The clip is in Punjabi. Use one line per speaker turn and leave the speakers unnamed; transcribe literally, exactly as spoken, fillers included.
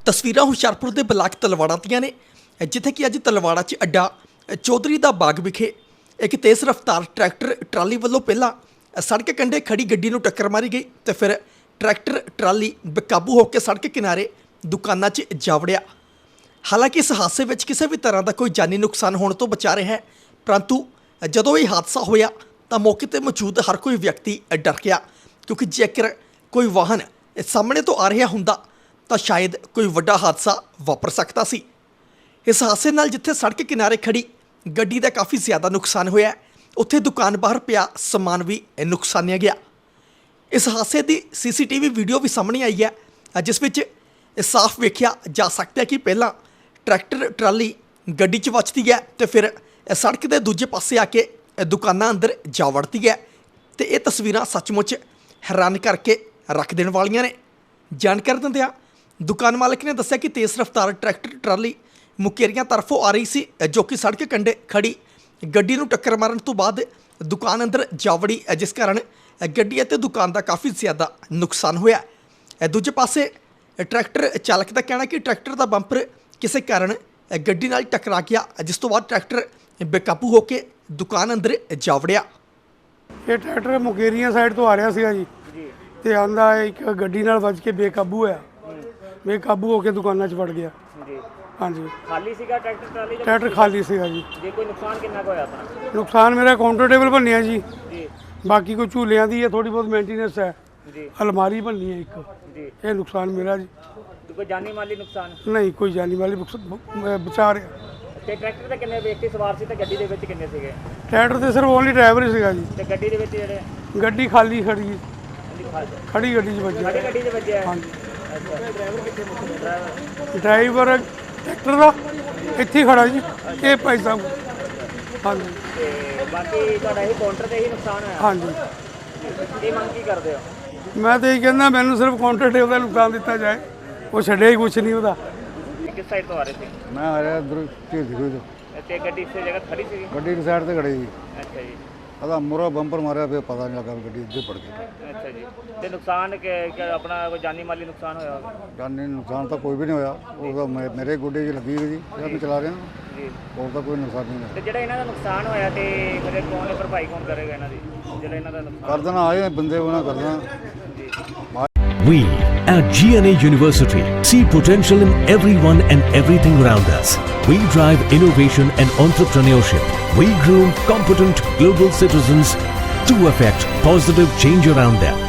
ਤਸਵੀਰਾਂ ਹੁਸ਼ਿਆਰਪੁਰ ਦੇ ਬਲਾਕ ਤਲਵਾੜਾ ਦੀਆਂ ਨੇ, ਜਿੱਥੇ ਕਿ ਅੱਜ ਤਲਵਾੜਾ 'ਚ ਅੱਡਾ ਚੌਧਰੀ ਦਾ ਬਾਗ ਵਿਖੇ ਇੱਕ ਤੇਜ਼ ਰਫ਼ਤਾਰ ਟਰੈਕਟਰ ਟਰਾਲੀ ਵੱਲੋਂ ਪਹਿਲਾਂ ਸੜਕ ਕੰਢੇ ਖੜੀ ਗੱਡੀ ਨੂੰ ਟੱਕਰ ਮਾਰੀ ਗਈ ਤੇ ਫਿਰ ਟਰੈਕਟਰ ਟਰਾਲੀ ਬੇਕਾਬੂ ਹੋ ਕੇ ਸੜਕ ਕਿਨਾਰੇ ਦੁਕਾਨਾਂ 'ਚ ਜਾ ਵੜਿਆ। ਹਾਲਾਂਕਿ ਇਸ ਹਾਦਸੇ ਵਿੱਚ ਕਿਸੇ ਵੀ ਤਰ੍ਹਾਂ ਦਾ ਕੋਈ ਜਾਨੀ ਨੁਕਸਾਨ ਹੋਣ ਤੋਂ ਬਚਾ ਰਿਹਾ ਹੈ, ਪਰੰਤੂ ਜਦੋਂ ਇਹ ਹਾਦਸਾ ਹੋਇਆ ਤਾਂ ਮੌਕੇ 'ਤੇ ਮੌਜੂਦ ਹਰ ਕੋਈ ਵਿਅਕਤੀ ਡਰ ਗਿਆ, ਕਿਉਂਕਿ ਜੇਕਰ ਕੋਈ ਵਾਹਨ ਸਾਹਮਣੇ ਤੋਂ ਆ ਰਿਹਾ ਹੁੰਦਾ ਤਾਂ ਸ਼ਾਇਦ ਕੋਈ ਵੱਡਾ ਹਾਦਸਾ ਵਾਪਰ ਸਕਦਾ ਸੀ। ਇਸ ਹਾਦਸੇ ਨਾਲ ਜਿੱਥੇ ਸੜਕ ਕਿਨਾਰੇ ਖੜੀ ਗੱਡੀ ਦਾ ਕਾਫੀ ਜ਼ਿਆਦਾ ਨੁਕਸਾਨ ਹੋਇਆ, ਉੱਥੇ ਦੁਕਾਨ ਬਾਹਰ ਪਿਆ ਸਮਾਨ ਵੀ ਨੁਕਸਾਨਿਆ ਗਿਆ। ਇਸ ਹਾਦਸੇ ਦੀ ਸੀਸੀਟੀਵੀ ਵੀਡੀਓ ਵੀ ਸਾਹਮਣੇ ਆਈ ਹੈ, ਜਿਸ ਵਿੱਚ ਸਾਫ਼ ਵੇਖਿਆ ਜਾ ਸਕਦਾ ਹੈ ਕਿ ਪਹਿਲਾਂ ਟਰੈਕਟਰ ਟਰਾਲੀ ਗੱਡੀ 'ਚ ਵੱਜਦੀ ਹੈ ਤੇ ਫਿਰ ਸੜਕ ਦੇ ਦੂਜੇ ਪਾਸੇ ਆ ਕੇ ਦੁਕਾਨਾਂ ਅੰਦਰ ਜਾ ਵੜਦੀ ਹੈ ਤੇ ਇਹ ਤਸਵੀਰਾਂ ਸੱਚਮੁੱਚ ਹੈਰਾਨ ਕਰਕੇ ਰੱਖ ਦੇਣ ਵਾਲੀਆਂ ਨੇ। ਜਾਣਕਾਰੀ ਦਿੰਦਿਆਂ ਦੁਕਾਨ ਮਾਲਕ ਨੇ ਦੱਸਿਆ ਕਿ ਤੇਜ਼ ਰਫ਼ਤਾਰ ਟਰੈਕਟਰ ਟਰਾਲੀ ਮੁਕੇਰੀਆਂ ਤਰਫੋਂ ਆ ਰਹੀ ਸੀ, ਜੋ ਕਿ ਸੜਕ ਕੰਢੇ ਖੜੀ ਗੱਡੀ ਨੂੰ ਟੱਕਰ ਮਾਰਨ ਤੋਂ ਬਾਅਦ ਦੁਕਾਨ ਅੰਦਰ ਜਾ ਵੜੀ, ਜਿਸ ਕਾਰਨ ਗੱਡੀ ਅਤੇ ਦੁਕਾਨ ਦਾ ਕਾਫੀ ਜ਼ਿਆਦਾ ਨੁਕਸਾਨ ਹੋਇਆ। ਦੂਜੇ ਪਾਸੇ ਟਰੈਕਟਰ ਚਾਲਕ ਦਾ ਕਹਿਣਾ ਕਿ ਟਰੈਕਟਰ ਦਾ ਬੰਪਰ ਕਿਸੇ ਕਾਰਨ ਗੱਡੀ ਨਾਲ ਟਕਰਾ ਗਿਆ, ਜਿਸ ਤੋਂ ਬਾਅਦ ਟਰੈਕਟਰ ਬੇਕਾਬੂ ਹੋ ਕੇ ਦੁਕਾਨ ਅੰਦਰ ਜਾ ਵੜਿਆ।
ਇਹ ਟਰੈਕਟਰ ਮੁਕੇਰੀਆਂ ਸਾਈਡ ਤੋਂ ਆ ਰਿਹਾ ਸੀਗਾ ਜੀ ਤੇ ਆਂਦਾ ਇੱਕ ਗੱਡੀ ਨਾਲ ਵੱਜ ਕੇ ਬੇਕਾਬੂ ਹੋਇਆ, ਬੇਕਾਬੂ ਹੋ ਕੇ ਦੁਕਾਨਾਂ 'ਚ ਵੜ ਗਿਆ
ਜੀ।
ਹਾਂਜੀ।
ਖਾਲੀ ਸੀਗਾ ਟਰੈਕਟਰ ਟਰਾਲੀ ਜਾਂ
ਟਰੈਕਟਰ ਖਾਲੀ ਸੀਗਾ ਜੀ।
ਜੇ ਕੋਈ ਨੁਕਸਾਨ ਕਿੰਨਾ ਕੁ ਹੋਇਆ ਆਪਣਾ?
ਨੁਕਸਾਨ ਮੇਰਾ ਕਾਊਂਟਰ ਟੇਬਲ ਭੰਨਿਆ ਜੀ,
ਜੀ
ਬਾਕੀ ਕੋਈ ਝੂਲਿਆਂ ਦੀ ਹੈ, ਥੋੜੀ ਬਹੁਤ ਮੇਨਟੇਨੈਂਸ ਹੈ,
ਜੀ
ਅਲਮਾਰੀ ਭੰਨੀ ਹੈ ਇੱਕ,
ਜੀ।
ਇਹ ਨੁਕਸਾਨ ਮੇਰਾ ਜੀ।
ਤੇ ਕੋਈ ਜਾਨੀ ਮਾਲੀ ਨੁਕਸਾਨ?
ਨਹੀਂ, ਕੋਈ ਜਾਨੀ ਵਾਲੀ ਬਚਾ ਰਿਹਾ।
ਤੇ ਟਰੈਕਟਰ ਤੇ ਕਿੰਨੇ ਵਿਅਕਤੀ ਸਵਾਰ ਸੀ ਤੇ ਗੱਡੀ ਦੇ ਵਿੱਚ ਕਿੰਨੇ ਸੀਗੇ?
ਟਰੈਕਟਰ ਤੇ ਸਿਰਫ ਓਨਲੀ ਡਰਾਈਵਰ ਹੀ ਸੀਗਾ ਜੀ।
ਤੇ ਗੱਡੀ ਦੇ ਵਿੱਚ ਜਿਹੜੇ
ਗੱਡੀ ਖਾਲੀ ਖੜੀ ਜੀ,
ਖੜੀ
ਖੜੀ ਗੱਡੀ 'ਚ ਵੱਜਿਆ।
ਗੱਡੀ 'ਚ ਵੱਜਿਆ?
ਹਾਂਜੀ।
ਅੱਛਾ, ਡਰਾਈਵਰ ਕਿੱਥੇ ਡਰਾਈਵਰ
ਡਰਾਈਵਰ ਟਰੈਕਟਰ ਦਾ ਇੱਥੇ ਹੀ ਖੜਾ ਜੀ, ਇਹ ਭਾਈ ਸਾਹਿਬ। ਹਾਂਜੀ।
ਤੇ ਬਾਕੀ ਤੁਹਾਡਾ ਇਹ ਕਾਊਂਟਰ ਤੇ ਹੀ ਨੁਕਸਾਨ ਹੋਇਆ?
ਹਾਂਜੀ।
ਇਹ ਮੰਗ ਕੀ ਕਰਦੇ ਹੋ?
ਮੈਂ ਤਾਂ ਇਹ ਕਹਿੰਦਾ ਮੈਨੂੰ ਸਿਰਫ ਕਾਊਂਟਰ ਟੇਬਲ ਦਾ ਨੁਕਸਾਨ ਦਿੱਤਾ ਜਾਏ, ਉਹ ਛੱਡਿਆ ਹੀ ਕੁਛ ਨਹੀਂ ਉਹਦਾ।
ਕਿਸ ਸਾਈਡ ਤੋਂ ਆ ਰਹੇ ਸੀ?
ਮੈਂ ਆ ਰਿਹਾ ਇੱਧਰ ਝੀਲ ਕੋਈ ਤੋਂ
ਤੇ ਗੱਡੀ ਇਸੇ ਜਗ੍ਹਾ ਖੜੀ ਸੀ?
ਗੱਡੀ ਦੀ ਸਾਈਡ ਤੇ ਖੜੀ ਸੀ।
ਅੱਛਾ ਜੀ।
ਉਹਦਾ ਮੂਹਰਾ ਬੰਪਰ ਮਾਰਿਆ ਪਿਆ, ਪਤਾ ਨਹੀਂ ਲੱਗਾ ਵੀ ਗੱਡੀ ਇੱਧਰ ਪੜ ਗਈ।
ਅੱਛਾ ਜੀ। ਤੇ ਨੁਕਸਾਨ ਕਿ ਕਿ ਆਪਣਾ ਕੋਈ ਜਾਨੀ ਮਾਲੀ ਨੁਕਸਾਨ ਹੋਇਆ ਹੋਵੇ?
ਜਾਨੀ ਨੁਕਸਾਨ ਤਾਂ ਕੋਈ ਵੀ ਨਹੀਂ ਹੋਇਆ, ਉਹਦਾ ਮੇ- ਮੇਰੇ ਗੋਡੇ 'ਚ ਲੱਗੀ ਹੋਈ ਜੀ, ਜਿਹੜਾ ਮੈਂ ਚਲਾ ਰਿਹਾ
ਜੀ।
ਹੋਰ ਤਾਂ ਕੋਈ ਨੁਕਸਾਨ ਨਹੀਂ ਹੋਇਆ।
ਤੇ ਜਿਹੜਾ ਇਹਨਾਂ ਦਾ ਨੁਕਸਾਨ ਹੋਇਆ ਤੇ ਮੇਰੇ ਕੌਣ ਭਰਪਾਈ ਕੌਣ ਕਰੇਗਾ ਇਹਨਾਂ ਦੀ, ਜਿਹੜਾ ਇਹਨਾਂ ਦਾ ਨੁਕਸਾਨ?
ਕਰ ਦੇਣਾ, ਆਏ ਬੰਦੇ ਉਹਨਾਂ ਕਰ ਦੇਣਾ।
We at G N A University see potential in everyone and everything around us. We drive innovation and entrepreneurship. We groom competent global citizens to affect positive change around them.